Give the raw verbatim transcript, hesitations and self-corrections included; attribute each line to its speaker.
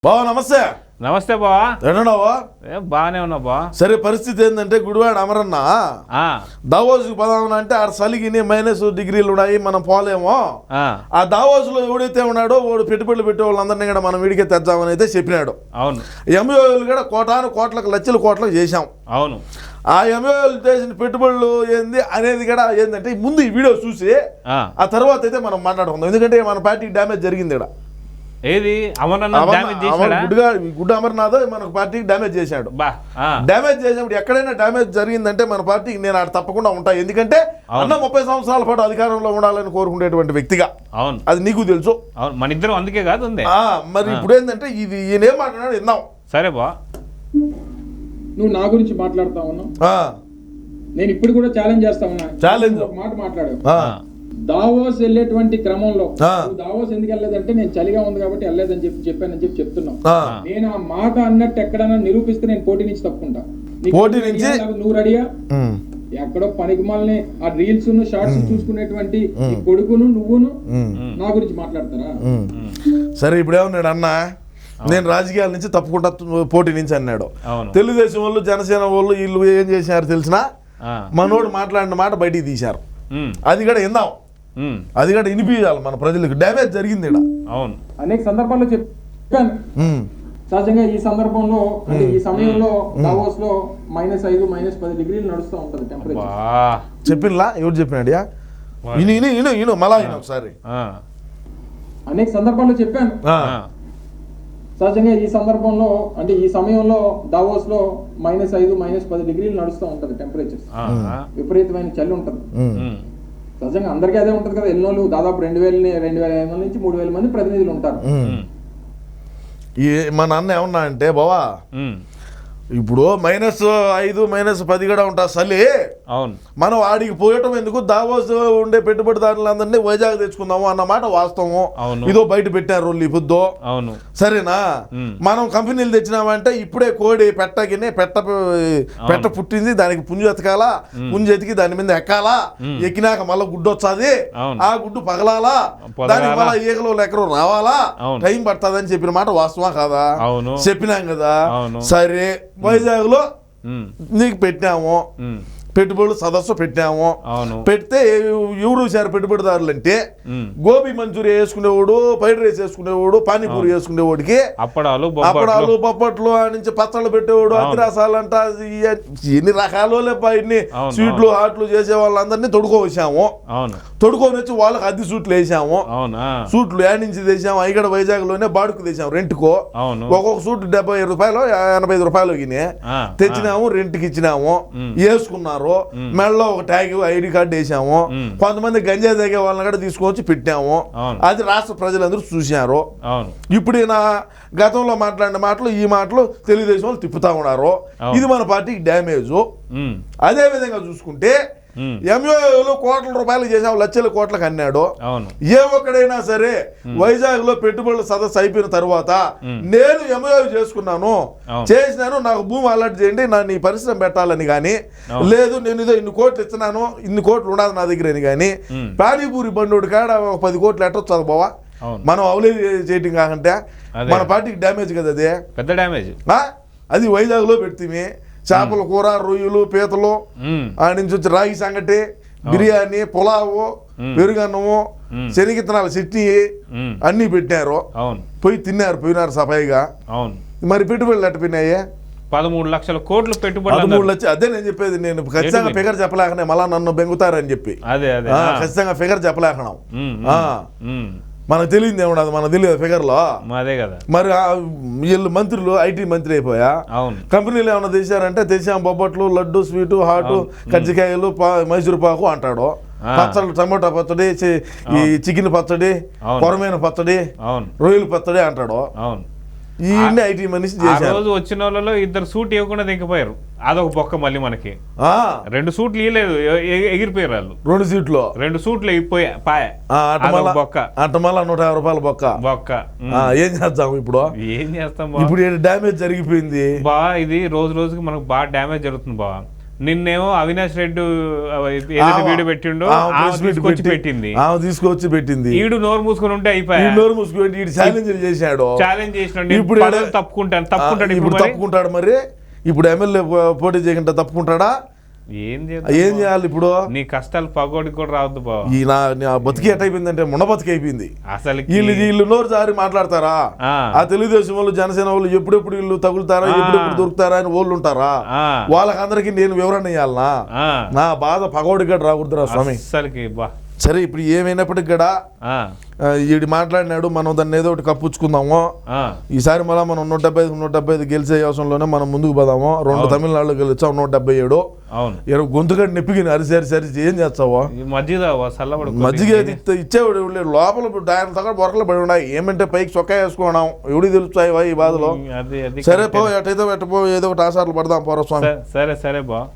Speaker 1: బావా నమస్తే.
Speaker 2: నమస్తే బావా.
Speaker 1: ఎన్నావా?
Speaker 2: బాగానే ఉన్నా బా.
Speaker 1: సరే, పరిస్థితి ఏంటంటే గుడివాడ అమరన్న దావోస్కి పదామని అంటే ఆడ చలిగిని మైనస్ డిగ్రీలు ఉన్నాయి, మనం పోలేమో. ఆ దావోస్ లో ఎవడైతే ఉన్నాడో వాడు పెట్టుబడులు పెట్టే వాళ్ళందరినీ కూడా మనం వీడికే తెద్దామని అయితే చెప్పినాడు.
Speaker 2: అవును.
Speaker 1: ఎంఓలు కూడా కోటాను కోట్లకు లక్షల కోట్లకు చేశాం.
Speaker 2: అవును.
Speaker 1: ఆ ఎంఓలు చేసిన పెట్టుబడులు ఏంది అనేది కూడా ఏంటంటే ముందు ఈ వీడియో చూసి ఆ తర్వాత అయితే మనం మాట్లాడుకుందాం. ఎందుకంటే మన పార్టీకి డ్యామేజ్ జరిగింది ఇక్కడ.
Speaker 2: ఏది
Speaker 1: గుడ్డ అమర్నాథ్ మన పార్టీకి డ్యామేజ్ చేశాడు. డ్యామేజ్ చేసినప్పుడు ఎక్కడైనా డ్యామేజ్ జరిగిందంటే మన పార్టీకి నేను ఆడ తప్పకుండా ఉంటా. ఎందుకంటే అన్న ముప్పై సంవత్సరాల పాటు అధికారంలో ఉండాలని కోరుకునేటువంటి వ్యక్తిగా.
Speaker 2: అవును,
Speaker 1: అది నీకు తెలుసు.
Speaker 2: మన ఇద్దరం అందుకే కాదు ఉంది.
Speaker 1: మరి ఇప్పుడు ఏంటంటే ఇది ఈయన ఏం మాట్లాడాడు విందాం.
Speaker 2: సరే బా.
Speaker 3: నువ్వు నా గురించి మాట్లాడుతా ఉన్నావు, నేను ఇప్పుడు కూడా ఛాలెంజ్ చేస్తా ఉన్నా.
Speaker 1: ఛాలెంజ్
Speaker 3: మాట మాట్లాడు. దావోస్ వెళ్ళేటువంటి క్రమంలో దావోస్ ఎందుకు వెళ్ళలేదంటే నేను చలిగా ఉంది కాబట్టి వెళ్ళలేదని చెప్పి చెప్పానని చెప్పి చెప్తున్నావు. నేను ఆ మాట అన్నట్టు ఎక్కడైనా నిరూపిస్తే నేను పోటీ నుంచి తప్పుకుంటా. నువ్వు రెడీయా? ఎక్కడో పనికిమాలని ఆ రీల్స్ షార్ట్స్ చూసుకునేటువంటి కొడుకును నువ్వును నా గురించి మాట్లాడతారా?
Speaker 1: సరే, ఇప్పుడు ఏమన్నాడు అన్న, నేను రాజకీయాల నుంచి తప్పుకుంటా పోటీ నుంచి అన్నాడు. తెలుగుదేశం వాళ్ళు జనసేన వాళ్ళు వీళ్ళు ఏం చేశారు తెలిసినా మనోడు మాట్లాడిన మాట బయటికి తీశారు. అది కూడా విందాం, అది కూడా వినిపించాలి మన ప్రజలకు. డ్యామేజ్ జరిగింది ఇక్కడ.
Speaker 2: అవును,
Speaker 3: అనేక సందర్భాల్లో చెప్పాను. సహజంగా ఈ సందర్భంలో అంటే ఈ సమయంలో దావోస్ లో మైనస్ ఐదు మైనస్ పది డిగ్రీలు నడుస్తూ ఉంటది టెంపరేచర్.
Speaker 1: చెప్పినలా ఎవరు చెప్పినాడు? ఇను ఇను ఇను ఇను మళ్ళా ఒకసారి
Speaker 3: అనేక సందర్భాల్లో చెప్పాను. సహజంగా ఈ సందర్భంలో అంటే ఈ సమయంలో దావోస్ లో మైనస్ ఐదు మైనస్ పది డిగ్రీలు నడుస్తూ ఉంటది టెంపరేచర్. విపరీతమైన చలి ఉంటది. సహజంగా అందరికీ అదే ఉంటది కదా. ఎన్నోళ్ళు దాదాపు రెండు వేల రెండు వేల ఐదు వందల నుంచి మూడు వేల మంది ప్రతినిధులు ఉంటారు.
Speaker 1: మా నాన్న ఏమన్నా అంటే బావా, ఇప్పుడు మైనస్ ఐదు మైనస్ పది కూడా ఉంటా చలి.
Speaker 2: అవును,
Speaker 1: మనం ఆడికి పోయటం ఎందుకు, దావోస్ ఉండే పెట్టుబడిదారులందరినీ వైజాగ్ తెచ్చుకుందాము అన్నమాట వాస్తవం. ఇదో బయట పెట్టారు పొద్దు.
Speaker 2: అవును,
Speaker 1: సరేనా? మనం కంపెనీలు తెచ్చినామంటే ఇప్పుడే కోడి పెట్టగినే పెట్ట పెట్ట పుట్టింది, దానికి పుంజు ఎతకాలా, పుంజు ఎతికి దాని మీద ఎక్కాలా, ఎక్కినాక మళ్ళీ గుడ్డు వచ్చాది, ఆ గుడ్డు పగలాలా, దానికి మళ్ళీ ఈగలు ఎక్కడో రావాలా, టైం పడుతుందని చెప్పిన మాట వాస్తవా కాదా? చెప్పినాం కదా. సరే, వైజాగ్ లో నీకు పెట్టినాము, పెట్టుబడులు సదస్సు పెట్టాము. పెడితే ఎవరు చూసారు పెట్టుబడిదారులు అంటే, గోబీ మంచూరి వేసుకునేవాడు, ఫ్రైడ్ రైస్ వేసుకునేవాడు, పానీపూరి వేసుకునేవాడికి
Speaker 2: అప్పడాలు
Speaker 1: అప్పడాలు పప్పట్లు నుంచి పచ్చళ్ళు పెట్టేవాడు, అతిరాసాలు అంట ఎన్ని రకాలు ఇన్ని స్వీట్లు హాట్లు చేసే వాళ్ళందరినీ తొడుకోవచ్చాము. తొడుకొని వచ్చి వాళ్ళకి అద్దె సూట్లు వేసాము. సూట్లు యాడ్ నుంచి తెచ్చాము. అవి కూడా వైజాగ్ లోనే బాడుకు తెచ్చాము రెంట్కో. ఒక్కొక్క సూట్ డెబ్బై ఐదు రూపాయలు ఎనభై ఐదు రూపాయలు తెచ్చినాము, రెంట్కి ఇచ్చినాము, వేసుకున్నారు. మెడలో ఒక ట్యాగ్ ఐడి కార్డు వేసాము. కొంతమంది గంజా తాగే వాళ్ళని కూడా తీసుకొచ్చి పెట్టాము. అది రాష్ట్ర ప్రజలందరూ చూశారు. ఇప్పుడు ఈయన గతంలో మాట్లాడిన మాటలు ఈ మాటలు తెలుగుదేశం వాళ్ళు తిప్పుతా ఉన్నారు. ఇది మన పార్టీకి డ్యామేజ్. అదే విధంగా చూసుకుంటే ఎంఓఏలో కోట్ల రూపాయలు చేసావు, లక్షల కోట్లకు అన్నాడు. ఏ ఒక్కడైనా సరే వైజాగ్ లో పెట్టుబడుల సదస్సు అయిపోయిన తర్వాత నేను ఎంఓఏ చేసుకున్నాను, చేసినాను, నాకు భూమి అలర్ట్ చేయండి, నా నీ పరిశ్రమ పెట్టాలని కానీ, లేదు నేను ఇదో ఇన్ని కోట్లు ఇస్తున్నాను, ఇన్ని కోట్లు ఉండదు నా దగ్గర అని కానీ, పానీపూరి బండోడు కాడ ఒక పది కోట్లు ఎట్టొచ్చు బావా. మనం అవలేదు చేయటం కాకంటే మన పార్టీకి డ్యామేజ్ కదా. అదే
Speaker 2: పెద్ద డ్యామేజ్.
Speaker 1: అది వైజాగ్ లో పెడితే చేపల కూర, రొయ్యలు, పీతలు, ఆ నుంచి వచ్చి రాగి సంగటి, బిర్యానీ, పులావు, పెరుగన్నము, శనగిత్తనాల చట్నీ అన్ని పెట్టారు. పోయి తిన్నారు, పోయినారు సఫాయిగా. మరి పెట్టుబడులు ఎట్టపోయినాయి?
Speaker 2: పదమూడు లక్షల కోట్లు పెట్టుబడి.
Speaker 1: పదమూడు లక్షలు. అదే నేను చెప్పేది. నేను ఖచ్చితంగా ఫిగర్ చెప్పలేకనే మళ్ళా నన్ను బెంగుతారని చెప్పి ఖచ్చితంగా ఫిగర్ చెప్పలేకనాం. మనకు తెలియదు ఏమన్నా, మనకు తెలియదు ఫిగర్లో.
Speaker 2: అదే కదా.
Speaker 1: మరి వీళ్ళు మంత్రులు ఐటీ మంత్రి అయిపోయా. కంపెనీలు ఏమన్నా తెచ్చారంటే తెచ్చాం బొబ్బట్లు, లడ్డు, స్వీటు, హాటు, కజ్జికాయలు, మైసూరు పాకు అంటాడు. పచ్చళ్ళు, టమోటా పచ్చడి, ఈ చికెన్ పచ్చడి, కొరమైన పచ్చడి, రొయ్యల పచ్చడి అంటాడు. ఈ ఐటీ మనిషి
Speaker 2: రోజు వచ్చిన వాళ్ళలో ఇద్దరు సూట్ ఇవ్వకుండా దిగిపోయారు. అదొక బొక్క. మళ్ళీ మనకి రెండు సూట్లు ఇవ్వలేదు, ఎగిరిపోయారు వాళ్ళు.
Speaker 1: రెండు సీట్లు
Speaker 2: రెండు సూట్లు ఇప్పోయా పాయ బొక్క.
Speaker 1: అట్ట మళ్ళా నూట యాభై రూపాయల బొక్క
Speaker 2: బొక్క.
Speaker 1: ఏం చేస్తాం ఇప్పుడు?
Speaker 2: ఏం చేస్తాం?
Speaker 1: ఇప్పుడు డ్యామేజ్ జరిగిపోయింది
Speaker 2: బా. ఇది రోజు రోజుకి మనకు బాగా డ్యామేజ్ జరుగుతుంది బా. నిన్నేమో అవినాష్ రెడ్డి ఏదైతే వీడియో పెట్టిండో తీసుకొచ్చి పెట్టింది
Speaker 1: ఆమె తీసుకొచ్చి పెట్టింది
Speaker 2: ఈడు నోరు మూసుకొని ఉంటే అయిపోయి
Speaker 1: నోరు మూసుకొని ఈడు ఛాలెంజ్ చేశాడు
Speaker 2: ఛాలెంజ్ చేసినాడు ఇప్పుడు తప్పుకుంటాను తప్పుకుంటాడు
Speaker 1: ఇప్పుడు తప్పుకుంటాడు మరి ఇప్పుడు ఎమ్మెల్యే పోటీ చేయకుండా తప్పుకుంటాడా
Speaker 2: ఏం
Speaker 1: ఏం చేయాలి ఇప్పుడు
Speaker 2: నీ కష్టాలు పగోడికి కూడా రావద్దు బావ
Speaker 1: ఈ నా బతికి ఎట్ అయిపోయిందంటే మొన్న బతికి అయిపోయింది
Speaker 2: అసలు
Speaker 1: వీళ్ళు వీళ్ళు నోరు జారి మాట్లాడతారా ఆ తెలుగుదేశం వాళ్ళు జనసేన వాళ్ళు ఎప్పుడెప్పుడు వీళ్ళు తగులుతారా ఎప్పుడెప్పుడు దొరుకుతారా అని వాళ్ళు ఉంటారా వాళ్ళకందరికీ నేను వివరణ ఇవ్వాలనా నా బాధ పగోడికి కూడా రాకూడదురా స్వామి
Speaker 2: అసలుకి బా
Speaker 1: సరే ఇప్పుడు ఏమైనప్పటికి కూడా ఈడు మాట్లాడినాడు మనం దాన్ని ఏదో ఒకటి కప్పుచ్చుకుందాము ఈసారి మళ్ళీ మనం నూట డెబ్బై ఐదు నూట డెబ్బై ఐదు గెలిచే అవసరంలోనే మనం ముందుకు పోదాము రెండు తమిళనాడులో గెలిచాం నూట డెబ్బై ఏడు గొంతుగడ్డి నెప్పికి అరిసి అరిసి అరిసి ఏం చేస్తావో మజ్జిగ ఇచ్చేవాడు లోపల ఆయన తగ్గ బొరకలు పడి ఉన్నాయి ఏమంటే పైకి చొక్కా వేసుకున్నాం ఎవడికి తెలుస్తాయి ఈ బాధలో సరే పో ఎటైతే పెట్టపో ఏదో ఒకటి ఆసార్లు పడదాం పోరా స్వామి
Speaker 2: సరే సరే బా